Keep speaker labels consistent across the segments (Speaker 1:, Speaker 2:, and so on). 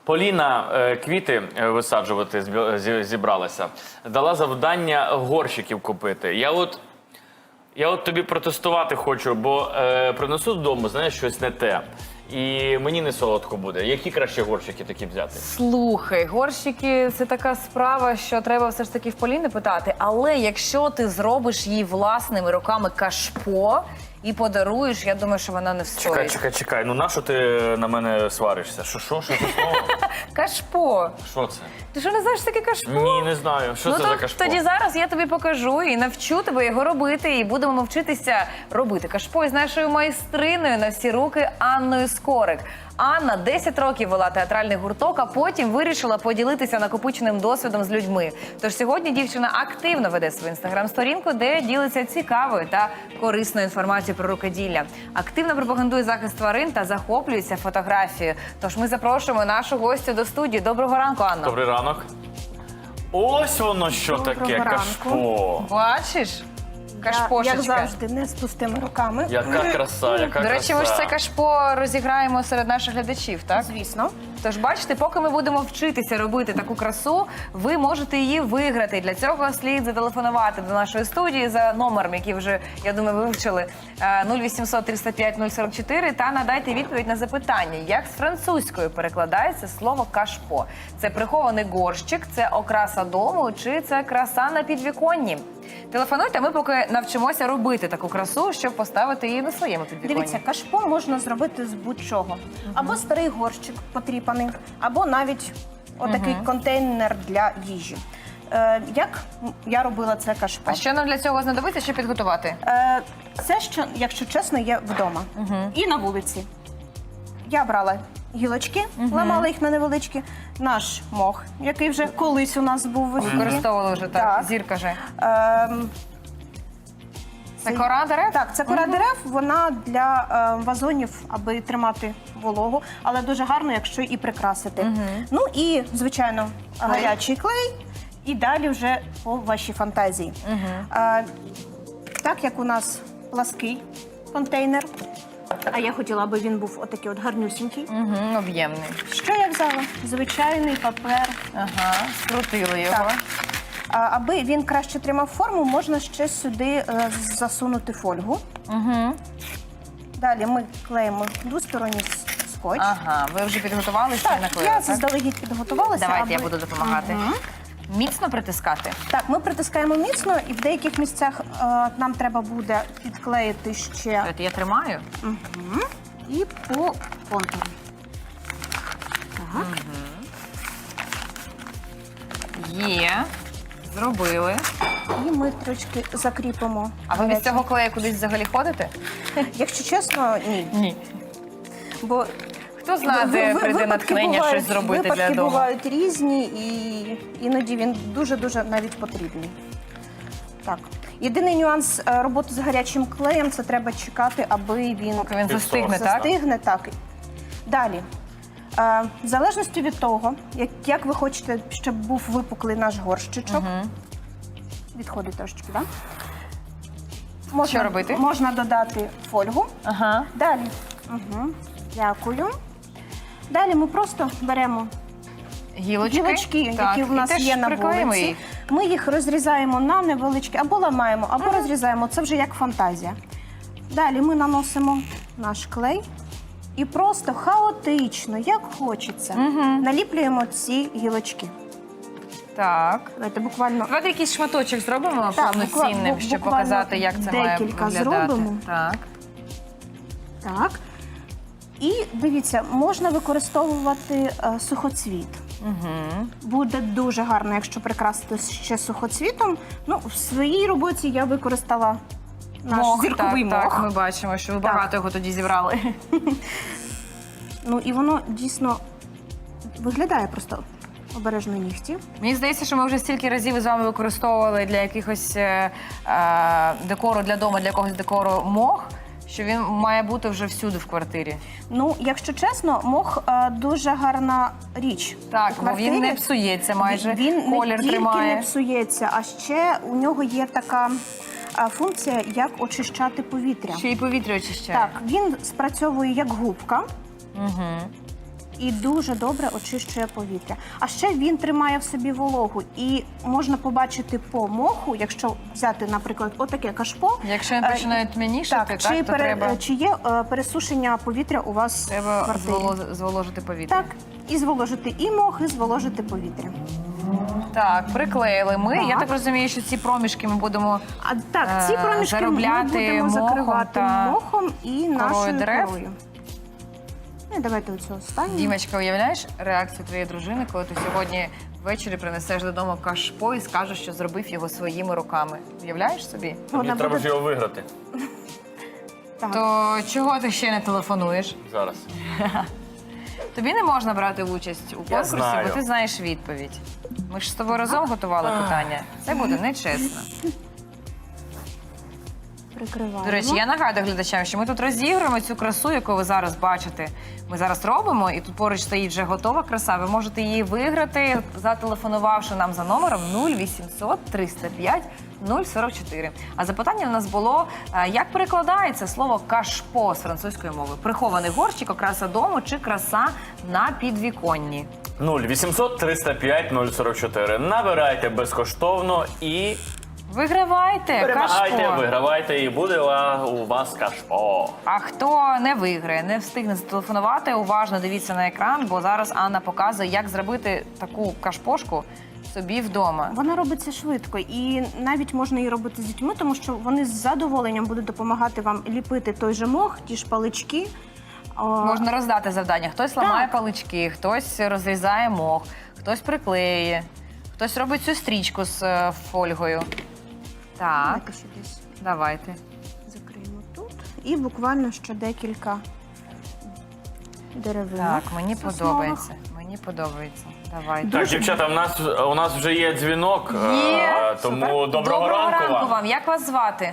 Speaker 1: Поліна квіти висаджувати зібралася. Дала завдання горщиків купити. Я от тобі протестувати хочу, бо принесу додому, знаєш, щось не те. І мені не солодко буде. Які краще горщики такі взяти?
Speaker 2: Слухай, горщики – це така справа, що треба все ж таки в Поліни питати. Але якщо ти зробиш їй власними руками кашпо і подаруєш, я думаю, що вона не встоїть.
Speaker 1: Чекай. Ну нащо ти на мене сваришся? Що це слово?
Speaker 2: Кашпо.
Speaker 1: Що це?
Speaker 2: Ти що, не знаєш таке кашпо?
Speaker 1: Ні, не знаю. Що це за кашпо?
Speaker 2: Тоді зараз я тобі покажу і навчу тебе його робити. І будемо вчитися робити кашпо із нашою майстриною на всі руки Анною Скорик. Анна 10 років вела театральний гурток, а потім вирішила поділитися накопиченим досвідом з людьми. Тож сьогодні дівчина активно веде свою інстаграм-сторінку, де ділиться цікавою та корисною інформацією про рукоділля. Активно пропагандує захист тварин та захоплюється фотографією. Тож ми запрошуємо нашу гостю до студії. Доброго ранку, Анна.
Speaker 1: Добрий ранок. Ось воно що таке, кашпо.
Speaker 2: Бачиш? Кашпошечка.
Speaker 3: Як завжди, не з пустими руками.
Speaker 1: Яка краса, яка краса.
Speaker 2: До речі, ми ж це кашпо розіграємо серед наших глядачів, так?
Speaker 3: Звісно.
Speaker 2: Тож, бачите, поки ми будемо вчитися робити таку красу, ви можете її виграти. Для цього слід зателефонувати до нашої студії за номером, який вже, я думаю, ви вивчили, 0800 305 044, та надайте відповідь на запитання, як з французькою перекладається слово кашпо. Це прихований горщик, це окраса дому, чи це краса на підвіконні? Телефонуйте, ми поки навчимося робити таку красу, щоб поставити її на своєму підвіконні.
Speaker 3: Дивіться, кашпо можна зробити з будь-чого. Або старий горщик потріпаний, або навіть отакий контейнер для їжі. Як я робила це кашпо?
Speaker 2: А що нам для цього знадобиться, щоб підготувати?
Speaker 3: Це, що, якщо чесно, є вдома. І на вулиці. Я брала гілочки, ламала їх на невеличкі. Наш мох, який вже колись у нас був в ефірі.
Speaker 2: Використовували вже так, зірка же. Це кора дерев?
Speaker 3: Так, це кора дерев, вона для вазонів, аби тримати вологу, але дуже гарно, якщо і прикрасити. Ну і, звичайно, гарячий клей, і далі вже по вашій фантазії. Так як у нас плаский контейнер, а я хотіла, аби він був отакий от гарнюсінький.
Speaker 2: Об'ємний.
Speaker 3: Що я взяла? Звичайний папер.
Speaker 2: Ага, скрутили його.
Speaker 3: Так. Аби він краще тримав форму, можна ще сюди засунути фольгу. Далі ми клеїмо двосторонній скотч.
Speaker 2: Ага, ви вже підготувалися і наклеїли,
Speaker 3: Я
Speaker 2: так?
Speaker 3: заздалегідь підготувалася.
Speaker 2: Давайте, я буду допомагати. Міцно притискати?
Speaker 3: Так, ми притискаємо міцно, і в деяких місцях нам треба буде підклеїти ще
Speaker 2: Я тримаю?
Speaker 3: і по контуру. Так.
Speaker 2: Є. Зробили.
Speaker 3: І ми трошки закріпимо.
Speaker 2: А ви без цього клею кудись взагалі ходите?
Speaker 3: Якщо чесно, ні.
Speaker 2: Ні.
Speaker 3: Бо
Speaker 2: Хто знає, де прийде натхнення щось зробити для
Speaker 3: випадки
Speaker 2: дому?
Speaker 3: бувають різні, і іноді він дуже-дуже навіть потрібний. Так. Єдиний нюанс роботи з гарячим клеєм – це треба чекати, аби він
Speaker 2: Поки він застигне, так?
Speaker 3: застигне. Так. Далі. В залежності від того, як ви хочете, щоб був випуклий наш горщичок. Відходить трошечки, так?
Speaker 2: Що робити?
Speaker 3: Можна додати фольгу.
Speaker 2: Ага.
Speaker 3: Далі. Дякую. Далі ми просто беремо гілочки, які в нас є на вулиці.
Speaker 2: Їх.
Speaker 3: Ми їх розрізаємо на невеличкі, або ламаємо, або розрізаємо. Це вже як фантазія. Далі ми наносимо наш клей і просто хаотично, як хочеться, наліплюємо ці гілочки.
Speaker 2: Так.
Speaker 3: Давайте буквально
Speaker 2: Давайте якийсь шматочок зробимо
Speaker 3: Так,
Speaker 2: повноцінним, щоб
Speaker 3: буквально
Speaker 2: показати, як це має
Speaker 3: декілька
Speaker 2: виглядати.
Speaker 3: зробимо.
Speaker 2: Так.
Speaker 3: так. І дивіться, можна використовувати сухоцвіт. Буде дуже гарно, якщо прикрасити ще сухоцвітом. Ну, в своїй роботі я використала наш зірковий мох.
Speaker 2: Так, ми бачимо, що ви багато його тоді зібрали.
Speaker 3: Ну, і воно дійсно виглядає просто обережно нігті.
Speaker 2: Мені здається, що ми вже стільки разів з вами використовували для якихось декору для дому, для якогось декору мох, що він має бути вже всюди в квартирі.
Speaker 3: Ну, якщо чесно, мох дуже гарна річ.
Speaker 2: Так,
Speaker 3: у
Speaker 2: бо він
Speaker 3: квартирі.
Speaker 2: не псується майже,
Speaker 3: Він
Speaker 2: колір
Speaker 3: не тільки
Speaker 2: тримає.
Speaker 3: не псується, а ще у нього є така функція, як очищати повітря.
Speaker 2: Ще й повітря очищає.
Speaker 3: Так, він спрацьовує як губка. і дуже добре очищує повітря. А ще він тримає в собі вологу. І можна побачити по моху, якщо взяти, наприклад, отаке кашпо.
Speaker 2: Якщо він починає тьмянішати,
Speaker 3: чи,
Speaker 2: то треба,
Speaker 3: чи є пересушення повітря у вас в
Speaker 2: треба
Speaker 3: квартирі?
Speaker 2: зволожити повітря.
Speaker 3: Так, і зволожити і мох, і зволожити повітря.
Speaker 2: Так, приклеїли ми.
Speaker 3: Так.
Speaker 2: Я так розумію, що ці проміжки ми будемо
Speaker 3: А так, ці проміжки ми
Speaker 2: заробляти
Speaker 3: будемо
Speaker 2: мохом
Speaker 3: закривати
Speaker 2: та
Speaker 3: мохом і
Speaker 2: корою
Speaker 3: нашою
Speaker 2: дерев.
Speaker 3: корою. Ну, і давайте оцю останню.
Speaker 2: Дімочка, уявляєш реакцію твоєї дружини, коли ти сьогодні ввечері принесеш додому кашпо і скажеш, що зробив його своїми руками? Уявляєш собі?
Speaker 3: Вона
Speaker 1: Мені треба
Speaker 3: буде-
Speaker 1: ж його виграти
Speaker 3: Так.
Speaker 2: То чого ти ще не телефонуєш?
Speaker 1: зараз.
Speaker 2: Тобі не можна брати участь у конкурсі,
Speaker 1: знаю.
Speaker 2: бо ти знаєш відповідь. Ми ж з тобою разом готували питання. Це буде нечесно.
Speaker 3: Прикриваємо.
Speaker 2: До речі, я нагадую глядачам, що ми тут розігруємо цю красу, яку ви зараз бачите. Ми зараз робимо, і тут поруч стоїть вже готова краса. Ви можете її виграти, зателефонувавши нам за номером 0800 305 044. А запитання в нас було, як перекладається слово «кашпо» з французької мови? Прихований горщик, окраса дому чи краса на підвіконні?
Speaker 1: 0800 305 044. Набирайте безкоштовно і
Speaker 2: Вигравайте
Speaker 1: перемагайте,
Speaker 2: кашпо.
Speaker 1: вигравайте, і буде у вас кашпо.
Speaker 2: А хто не виграє, не встигне зателефонувати, уважно дивіться на екран, бо зараз Анна показує, як зробити таку кашпошку собі вдома.
Speaker 3: Вона робиться швидко, і навіть можна її робити з дітьми, тому що вони з задоволенням будуть допомагати вам ліпити той же мох, ті ж палички.
Speaker 2: Можна роздати завдання. Хтось ламає палички, хтось розрізає мох, хтось приклеює, хтось робить цю стрічку з фольгою. Так,
Speaker 3: Давайте ще десь
Speaker 2: давайте.
Speaker 3: закриємо тут. І буквально ще декілька деревинок.
Speaker 2: Так, мені
Speaker 3: соснових.
Speaker 2: подобається. Мені подобається. Давайте.
Speaker 1: Так, дівчата, у нас вже є дзвінок,
Speaker 2: Є.
Speaker 1: тому доброго ранку вам.
Speaker 2: Як вас звати?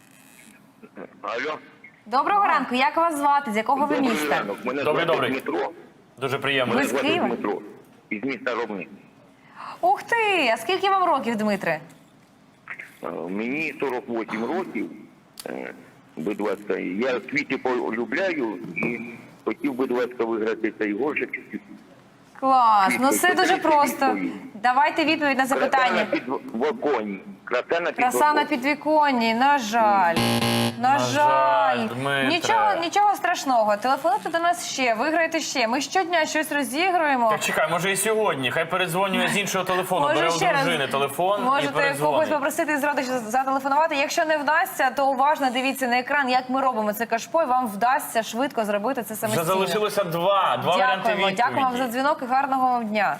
Speaker 4: Алло.
Speaker 2: Доброго ранку. Як вас звати? З якого ви
Speaker 4: Добрий
Speaker 2: міста?
Speaker 4: ранок. Мене
Speaker 1: Добрий,
Speaker 4: звати
Speaker 1: добрий.
Speaker 4: Дмитро.
Speaker 1: Дуже приємно.
Speaker 2: Ви
Speaker 4: Мене
Speaker 2: з
Speaker 4: звати
Speaker 2: Києва?
Speaker 4: Дмитро. Із міста Ромни.
Speaker 2: Ух ти! А скільки вам років, Дмитре?
Speaker 4: Мені 48 років. Будь ласка, я квіти полюбляю і хотів, будь ласка, виграти цей горщик.
Speaker 2: Клас, ну все
Speaker 4: Відповідь.
Speaker 2: дуже просто. Давайте відповідь на
Speaker 4: Краса на
Speaker 2: запитання.
Speaker 4: підвіконні. Краса на
Speaker 2: Краса на
Speaker 4: підвіконні.
Speaker 2: підвіконні, на жаль. На жаль.
Speaker 1: Дмитре.
Speaker 2: Нічого страшного. Телефонуйте до нас ще, виграйте ще. Ми щодня щось розігруємо.
Speaker 1: Так чекай, може і сьогодні. Хай передзвонює з іншого телефону. Бере у
Speaker 2: ще раз
Speaker 1: дружини телефон і
Speaker 2: можете когось
Speaker 1: передзвонить.
Speaker 2: попросити з родичів зателефонувати. Якщо не вдасться, то уважно дивіться на екран, як ми робимо це кашпо, і вам вдасться швидко зробити це
Speaker 1: Вже
Speaker 2: самостійно.
Speaker 1: залишилося два варіанти
Speaker 2: Дякуємо,
Speaker 1: відповіді.
Speaker 2: дякуємо вам за дзвінок і гарного вам дня.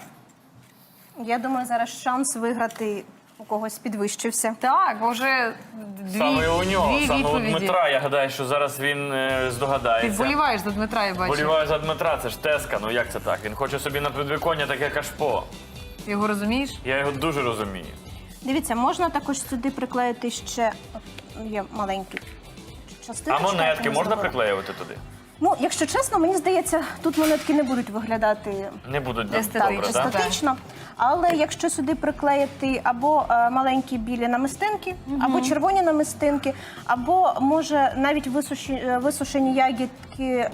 Speaker 3: Я думаю, зараз шанс виграти у когось підвищився.
Speaker 2: Так, бо вже
Speaker 1: Саме у нього,
Speaker 2: дві
Speaker 1: саме у
Speaker 2: відповіді.
Speaker 1: Дмитра. Я гадаю, що зараз він
Speaker 2: Ти
Speaker 1: здогадається.
Speaker 2: вболіваєш за Дмитра, я бачу.
Speaker 1: Боліваю за Дмитра, це ж Теска. Ну як це так? Він хоче собі на підвіконня таке кашпо.
Speaker 2: Ти його розумієш?
Speaker 1: Я його дуже розумію.
Speaker 3: Дивіться, можна також сюди приклеїти ще є маленькі частинки.
Speaker 1: А монетки можна приклеювати туди?
Speaker 3: Ну, якщо чесно, мені здається, тут монетки не будуть виглядати
Speaker 1: Не будуть
Speaker 2: Естетично.
Speaker 1: добре, так?
Speaker 3: естетично. Але якщо сюди приклеїти або маленькі білі намистинки, або червоні намистинки, або може навіть висушені ягідки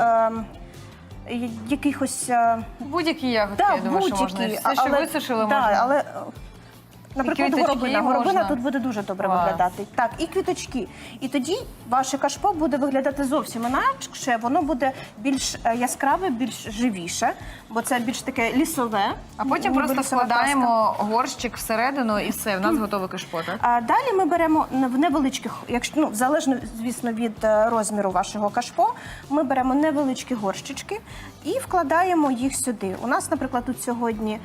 Speaker 3: якихось
Speaker 2: Будь-які ягодки,
Speaker 3: да,
Speaker 2: я думаю, що можна.
Speaker 3: будь-які.
Speaker 2: Все, що висушили,
Speaker 3: да,
Speaker 2: можна.
Speaker 3: але, наприклад,
Speaker 2: квіточки
Speaker 3: горобина.
Speaker 2: можна.
Speaker 3: Горобина тут буде дуже добре
Speaker 2: Клас.
Speaker 3: виглядати. Так, і квіточки. І тоді ваше кашпо буде виглядати зовсім інакше, воно буде більш яскраве, більш живіше, бо це більш таке лісове.
Speaker 2: А потім
Speaker 3: ніби
Speaker 2: просто
Speaker 3: лісова
Speaker 2: вкладаємо горщик всередину і все, в нас готове кашпо, так?
Speaker 3: а далі ми беремо в невеличких, якщо залежно, звісно, від розміру вашого кашпо, ми беремо невеличкі горщички і вкладаємо їх сюди. У нас, наприклад, тут сьогодні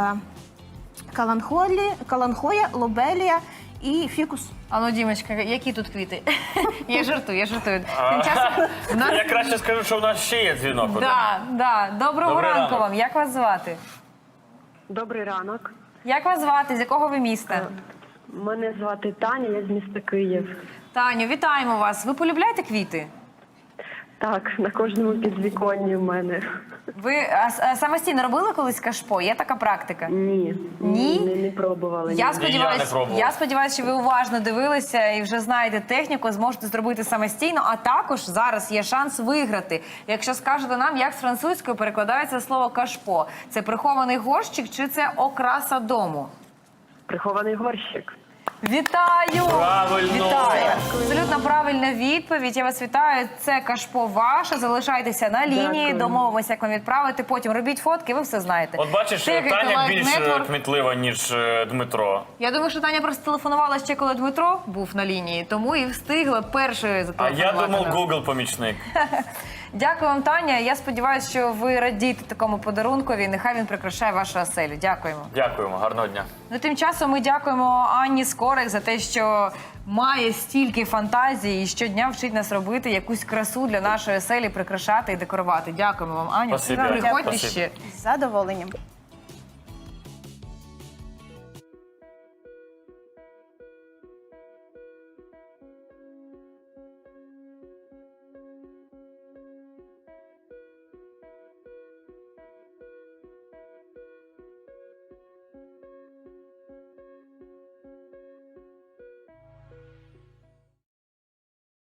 Speaker 3: каланхоя, лобелія і фікус.
Speaker 2: А ну, Дімочка, які тут квіти? Я жартую. Тим часом в нас...
Speaker 1: Я краще скажу, що в нас ще є дзвінок один.
Speaker 2: Да. Доброго
Speaker 1: Добрий
Speaker 2: ранку
Speaker 1: ранок.
Speaker 2: вам. Як вас звати?
Speaker 5: Добрий ранок.
Speaker 2: Як вас звати? З якого ви міста?
Speaker 5: Мене звати Таня, я з міста Київ.
Speaker 2: Таню, вітаємо вас. Ви полюбляєте квіти?
Speaker 5: Так, на кожному підвіконні в мене.
Speaker 2: Ви самостійно робили колись кашпо? Є така практика?
Speaker 5: Ні.
Speaker 2: Ні?
Speaker 5: Не пробувала. ні.
Speaker 1: я не пробував.
Speaker 2: Я сподіваюся, що ви уважно дивилися і вже знаєте техніку, зможете зробити самостійно, а також зараз є шанс виграти. Якщо скажете нам, як з французькою перекладається слово кашпо. Це прихований горщик чи це окраса дому?
Speaker 5: Прихований горщик.
Speaker 2: Вітаю!
Speaker 1: Правильно!
Speaker 2: Вітаю! Абсолютно правильна відповідь. Я вас вітаю. Це кашпо ваше. Залишайтеся на лінії.
Speaker 5: Дякую.
Speaker 2: Домовимося, як вам відправити. Потім робіть фотки, ви все знаєте.
Speaker 1: От бачиш,
Speaker 2: Тегайте
Speaker 1: Таня
Speaker 2: Live
Speaker 1: більш
Speaker 2: Network.
Speaker 1: кмітлива, ніж Дмитро.
Speaker 2: Я думаю, що Таня просто телефонувала ще, коли Дмитро був на лінії, тому і встигла першою
Speaker 1: А
Speaker 2: зателефонувати.
Speaker 1: я думав,
Speaker 2: нам.
Speaker 1: Google помічник.
Speaker 2: Дякую вам, Таня. Я сподіваюся, що ви радієте такому подарункові. Нехай він прикрашає вашу оселю. Дякуємо.
Speaker 1: Дякуємо, гарного дня.
Speaker 2: Ну, тим часом ми дякуємо Анні Скорик за те, що має стільки фантазії і щодня вчить нас робити якусь красу для нашої оселі, прикрашати і декорувати. Дякуємо вам, Аню.
Speaker 1: Спасибі,
Speaker 2: Приходьте
Speaker 1: Спасибі.
Speaker 2: ще.
Speaker 3: З задоволенням.